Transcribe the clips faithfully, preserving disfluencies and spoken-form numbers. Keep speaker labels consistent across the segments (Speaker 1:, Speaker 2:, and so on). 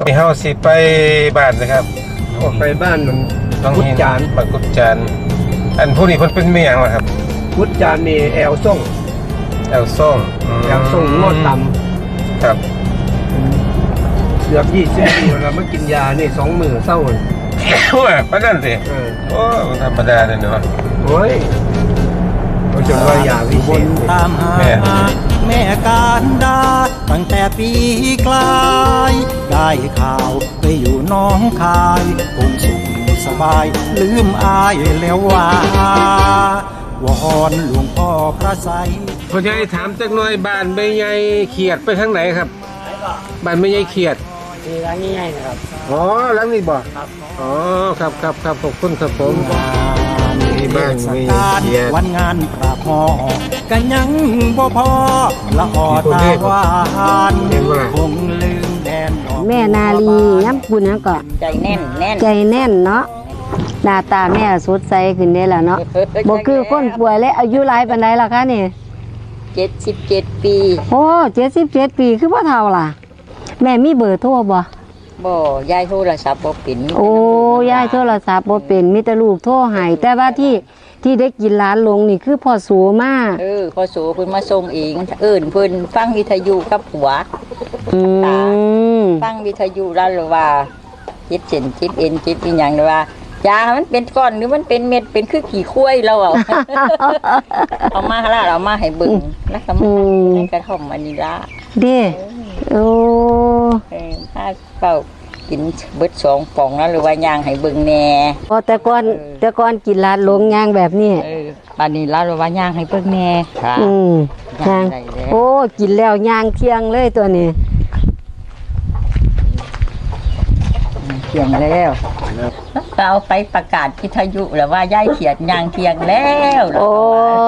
Speaker 1: เฮาสิไปบ้านนะครับ
Speaker 2: ออกไปบ้านมัน
Speaker 1: ต้อง
Speaker 2: พุทธจาน
Speaker 1: บ้านกุดจานอันผู้นี้เพิ่นเป็นเมียงล่ะครับ
Speaker 2: พุทธจานมีแอลส่ง
Speaker 1: แอลส่ง
Speaker 2: แอลส่งงอดต่ำ
Speaker 1: ครับ
Speaker 2: เกือบยี่สิบปีแล้วมากินยานี่สองมือเศร้าเลย
Speaker 1: โอ้ยปานนั้นสิโอ้ธรรมดาเลยเนาะ
Speaker 2: โอ้ยเขาจะว่ายาวิเศษ
Speaker 3: ตามหาแม่การดาตั้งแต่ปีกลายได้ข่าวไปอยู่น้องคายคงสุขสบายลืมอายแล้วว่าวอนหลวงพ่อพระไสย
Speaker 1: พ่อใหญ่ถามจักหน่อยบ้านแม่ใหญ่เขียดไปทางไหนครับบ้านแม่ใหญ่เขียด
Speaker 4: ร้านนี้ไงนะครับ
Speaker 1: อ๋อหลังนี้บ่ครับอ๋อครับครับครับขอบคุณครับผมมีบ้านมีเขียด
Speaker 3: วันงานประพอกันยังบ่พอละออตาหวานคงลืมแดน
Speaker 5: แม่นาลีย้ำปุ่นยังก็
Speaker 4: ใจแน่นแน่น
Speaker 5: ใจแน่นเนาะหน้าตาแม่สดใสขึ้นได้แล้วเนาะบ่คือคนป่วยและอายุหลายปานใดล่ะคะนี่
Speaker 4: เจ็ดสิบเจ็ดปี
Speaker 5: โอ้เจ็ดสิบเจ็ดปีคือบ่เฒ่าล่ะแม่มีเบอร์โทรบ่
Speaker 4: บ่ยายโทรศัพท์บ่เป็น
Speaker 5: โอ้ยายโทรศัพท์บ่เป็นมีแต่ลูกโทรให้แต่ว่าที่ที่ได้กินร้านลงนี่คือพ่อโสมา
Speaker 4: เออพ่อโสเพิ่นมาส่งเองเอิ้นเพิ่นฟังวิทยุกับผัว
Speaker 5: อืม
Speaker 4: ฟังวิทยุแล้วหรือว่าจิตเส้นจิตเอ็นจิตอีหยังหรือว่ายามันเป็นก้อนหรือมันเป็นเม็ดเป็นคือขี้ข้วยเราเอาเอามาละเอามาให้เบิ่งแล้วก็มาในกระท่อมอันนี้ละ
Speaker 5: เด้โอ้
Speaker 4: เออถ้าเป่ากินเบิดสองป่องแล้วหรือว่าย่างให้เบิ่งแน่
Speaker 5: พอแต่ก่อนแต่ก่อนกินร้านลงย่างแบบนี้
Speaker 4: เออบัดนี้แล้วหรือว่าย่างให้เบิ่งแน่ค่ะ
Speaker 5: อืมย่างโอ้กินแล้วย่างเที่ยงเลยตัวนี้
Speaker 4: เที่ยงแล้วเราไปประกาศวิทยุแล้วว่าย่ายเขียดย่างเที่ยงแล้ว
Speaker 5: โอ้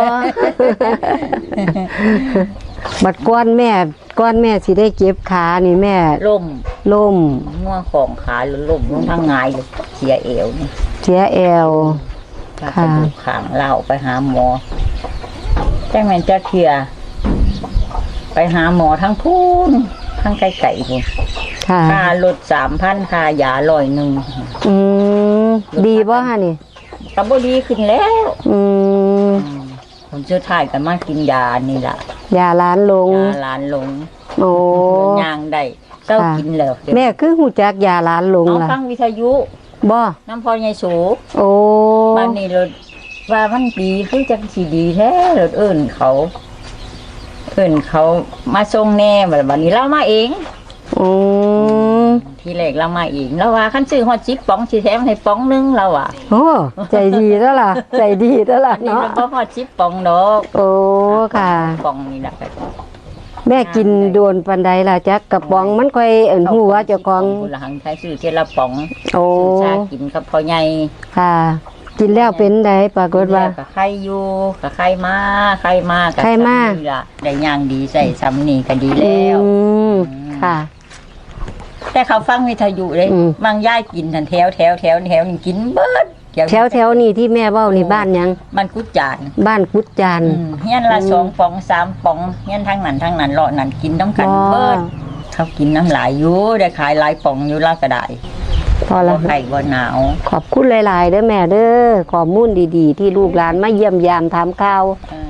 Speaker 5: บัดก้อนแม่ก้อนแม่สิได้เก็บขานี่แม่
Speaker 4: ล่ม
Speaker 5: ล่ม
Speaker 4: ง่วงของขาหรือล่มลงทางงายเลยเสียเอวนี่
Speaker 5: เสียเอว
Speaker 4: ค่ะขางเล่าไปหาหมอแจ้งแม่จะเคลียไปหาหมอทั้งพูนทั้งไก่ไก่พูนค่าลดสามพันค่ายาลอยหนึ่ง
Speaker 5: อืมดีป่ะฮะนี่
Speaker 4: กระบดีขึ้นแล้ว
Speaker 5: อืม
Speaker 4: ผมเชื่อถ่ายกันมากินยานี่แหละ
Speaker 5: ยาล้านลง
Speaker 4: ยาล้านลง
Speaker 5: โอ้
Speaker 4: ยางได้เจ้ากินแล้ว
Speaker 5: แม่คือหูจักยาล้านลง
Speaker 4: ล่ะฟังวิทยุ
Speaker 5: บ่
Speaker 4: น้ำพอใหญ่สู
Speaker 5: โอ้
Speaker 4: บ้านนี้รถว่ามันดีคือจังสีดีแท้รถเอิญเขาเอิญเขามาส่งแน่แบบวันนี้เรามาเอง
Speaker 5: อืม
Speaker 4: ทีแรกเรามาเองแล้วว่าขั้นซื้อฮอดจิ๊บป๋องสีแถมให้ป๋องนึงเราอ่ะ
Speaker 5: โอ้ใจดีแล้วล่ะใจดีแล้วล่ะเนาะ
Speaker 4: นี่เราฮอดจิ๊บป๋องดอก
Speaker 5: โอ้ค่ะ
Speaker 4: ป๋องนี่แหละ
Speaker 5: แม่กินโดนปันใดล่ะจักกระป๋องมันค่อยเอิ่นหัวเจ้าของ
Speaker 4: หลังใช้ซื้อเจละป๋อง
Speaker 5: โอ้
Speaker 4: ชากินกับพ่อใหญ่
Speaker 5: ค่ะกินแล้วเป็นไดปรากฏว่า
Speaker 4: กับไข่อยู่กับไข่มาไข่มา
Speaker 5: ไข่มา
Speaker 4: ได้ย่างดีใส่ซ้ำนี่ก็ดีแล้ว
Speaker 5: ค่ะ
Speaker 4: แต่เขาฟังวิทยุเลยบางย่ายกินทันแถวแถวแถวแถวนี่กินเบิด
Speaker 5: แถวแถวนี่ที่แม่เว้านี่บ้านยัง
Speaker 4: บ้านกุดจาน
Speaker 5: บ้านกุดจาน
Speaker 4: เฮียนละสองป๋องสามป๋องเฮียนทั้งนั้นทั้งนั้นเลาะนั่นกินน้ำกันเบิดเขากินน้ำหลายอยู่ได้ขายหลายป๋องอยู่ละก็ได้
Speaker 5: พอแล้ว
Speaker 4: ไข่บ่หนาว
Speaker 5: ขอบคุณหลายๆเด้อแม่เด้อข้อมูลดีๆที่ลูกหลานมาเยี่ยมยามถามข่าว